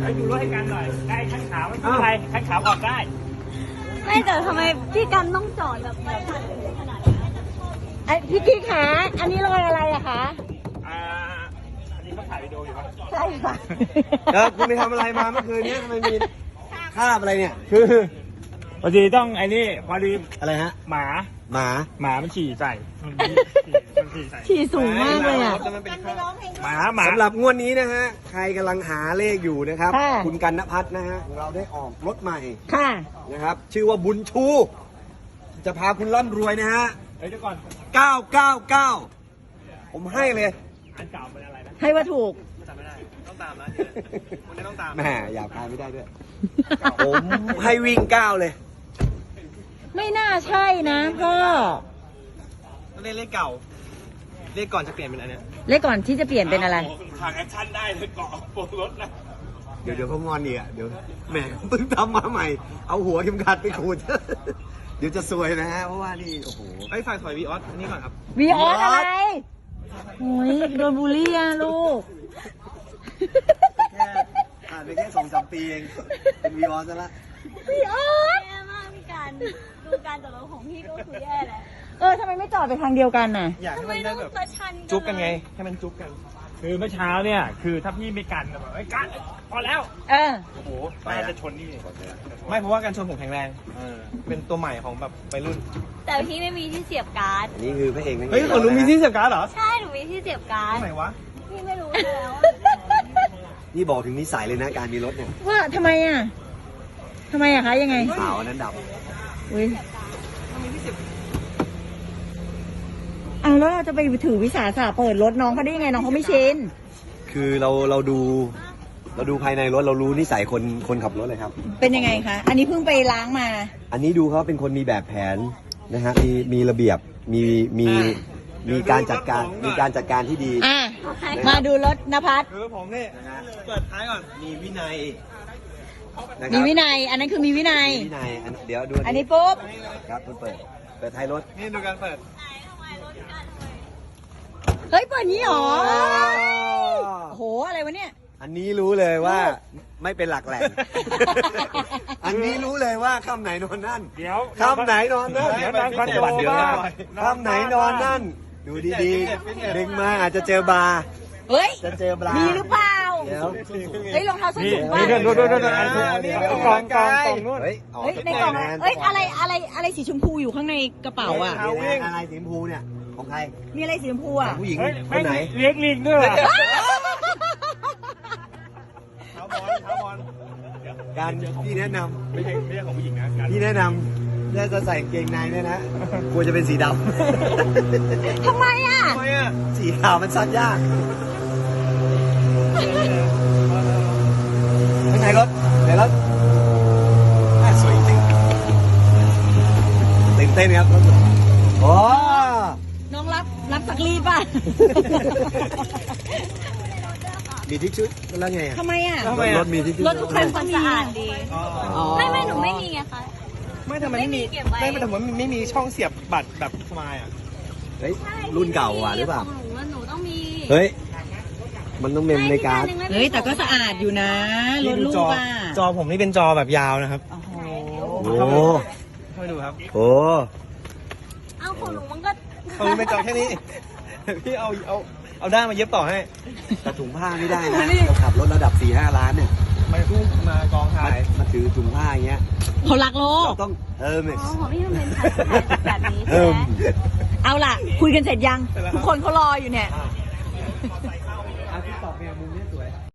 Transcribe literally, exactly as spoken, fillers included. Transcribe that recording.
ไปดูรถให้กันหน่อยได้ขั้นขาวไม่เป็นไรขั้นขาวออกได้ไม่แต่ทำไมพี่กันต้องจอดแบบแบบขนาดนี้ไอพี่กิ๊กขาอันนี้รอยอะไรอะคะอ่าอันนี้เขาถ่ายวิดีโออยู่ปะใช่ค่ะแล้วคุณไปทำอะไรมาเมื่อคืนนี้ทำไมมีคราบอะไรเนี่ยคือพอดีต้องไอ้นี่พอดีอะไรฮะหมาหมาหมามันฉี่ใส่มันฉี่ใส่ฉี่สูงมากเลยอ่ะหมาหมาสำหรับงวดนี้นะฮะใครกำลังหาเลขอยู่นะครับคุณกันณพัฒน์นะฮะเราได้ออกรถใหม่ค่ะนะครับชื่อว่าบุญชูจะพาคุณร่ำรวยนะฮะเฮ้ยเดี๋ยวก่อนเก้าเก้าเก้าผมให้เลยอันเก่าเป็นอะไรนะให้ว่าถูกจำไม่ได้ต้องตามนะคุณไม่ต้องตามแหมอยากพาไม่ได้ด้วยผมให้วิ่งเก้าเลยไม่น่าใช่นะพ่อเลขเลขเก่าเลขก่อนจะเปลี่ยนเป็นอะไรเนี่ยเลขก่อนที่จะเปลี่ยนเป็นอะไรทางแอคชั่นได้เลยเกาะโปรรถนะเดี๋ยวเดี๋ยวเขางอนอีกอ่ะเดี๋ยวแหมเพิ่งทำมาใหม่เอาหัวเข็มขัดไปขูดเดี๋ยวจะซวยนะฮะเพราะว่านี่โอ้โหไอ้ฝ่ายถอยวีออสนี่ก่อนครับวีออสอะไรโอ้ยโดนบูลลี่อ่ะลูกแค่ผ่านไปแค่สองสามปีเองเป็นวีออสซะละวีออสแย่มากพี่การดูการจอดรถของพี่ก็คือแย่แล้วเออทำไมไม่จอดไปทางเดียวกันน่ะอยากให้มันได้แบบจุ๊บกันไงให้มันจุ๊บกันคือเมื่อเช้าเนี่ยคือถ้าพี่ไม่กันแบบไอ้กันพอแล้วเออโอ้โหไม่จะชนนี่ไม่เพราะว่าการชนผมแข็งแรงเป็นตัวใหม่ของแบบวัยรุ่นแต่พี่ไม่มีที่เสียบการ์ดอันนี้คือพระเอกนั่นเองเฮ้ยของหนูมีที่เสียบการ์ดเหรอใช่หนูมีที่เสียบการ์ดไหนวะพี่ไม่รู้แล้วนี่บอกถึงนิสัยเลยนะการมีรถเนี่ยว่าทำไมอ่ะทำไมอะคะยังไงขาวนั้นดำอุ้ยเอาแล้วเราจะไปถือวิสาสะเปิดรถน้องเขาได้ยังไงน้องเขาไม่ชินคือเราเราดูเราดูภายในรถเรารู้นิสัยคนคนขับรถเลยครับเป็นยังไงคะอันนี้เพิ่งไปล้างมาอันนี้ดูเขาเป็นคนมีแบบแผนนะฮะมีมีระเบียบมีมีมีการจัดการมีการจัดการที่ดีอ่ะมาดูรถนภัสคือผมนี่เปิดท้ายก่อนมีวินัยมีวินัยอันนั้นคือมีวินัยวินัยเดี๋ยวดูอันนี้ปุ๊บครับเปิดเปิดท้ายรถนี่ดูการเปิดเฮ้ยเปิดนี้หรอโอ้โหอะไรวะเนี่ยอันนี้รู้เลยว่าไม่เป็นหลักแหล่งอันนี้รู้เลยว่าค่ำไหนนอนนั่นเดี๋ยวค่ำไหนนอนนั่นเดี๋ยวนั่งคอนโดบ้างค่ำไหนนอนนั่นดูดีๆดึงมาอาจจะเจอบาร์เฮ้ยจะเจอบาร์มีหรือเปล่าเดี๋ยวเฮ้ยรองเท้าส้นสูงป่ะดูดูดูดูกองกองกองนู่นเฮ้ยในกล่องเฮ้ยอะไรอะไรอะไรสีชมพูอยู่ข้างในกระเป๋าอ่ะอะไรสีชมพูเนี่ยของใครมีอะไรสีชมพูอ่ะผู้หญิงคนไหนเลี้ยงลิงด้วยเท้าบอลเท้าบอลการพี่แนะนำไม่ใช่ไม่ใช่ของผู้หญิงนะพี่แนะนำถ้าจะใส่เกงในเนี่ยนะควรจะเป็นสีดำทำไมอ่ะทำไมอ่ะสีขาวมันซักยากข้างในรถในรถสวยจริงตื่นเต้นครับโอ้น้องรับรับสักรีดป่ะมีทิชชู่แล้วไงทำไมอ่ะรถมีทิชชู่รถทุกคันต้องมีสะอาดดีไม่ไม่หนูไม่มีไงคะไม่ทำไมไม่มีไม่ไม่ทำไมไม่มีช่องเสียบบัตรแบบสมายอ่ะเฮ้ยรุ่นเก่าอ่ะหรือเปล่าหนูหนูต้องมีเฮ้ยมันต้องเมมในการ์ดเฮ้ยแต่ก็สะอาดอยู่นะรถลูกอ่ะจอผมนี่เป็นจอแบบยาวนะครับโอ้โหให้ดูครับโอ้เอาของหนูมันก็เขาเป็นจอแค่นี้พี่เอาเอาเอาด้ามมาเย็บต่อให้แต่ถุงผ้าไม่ได้นะเราขับรถระดับสี่ห้าล้านเนี่ยมาพุ่งมากองถ่ายมาถือถุงผ้าอย่างเงี้ยเขารักโลกต้องเออเมอ๋อของพี่มันเป็นแบบนี้ใช่ไหมเอาล่ะคุยกันเสร็จยังทุกคนเขารออยู่เนี่ย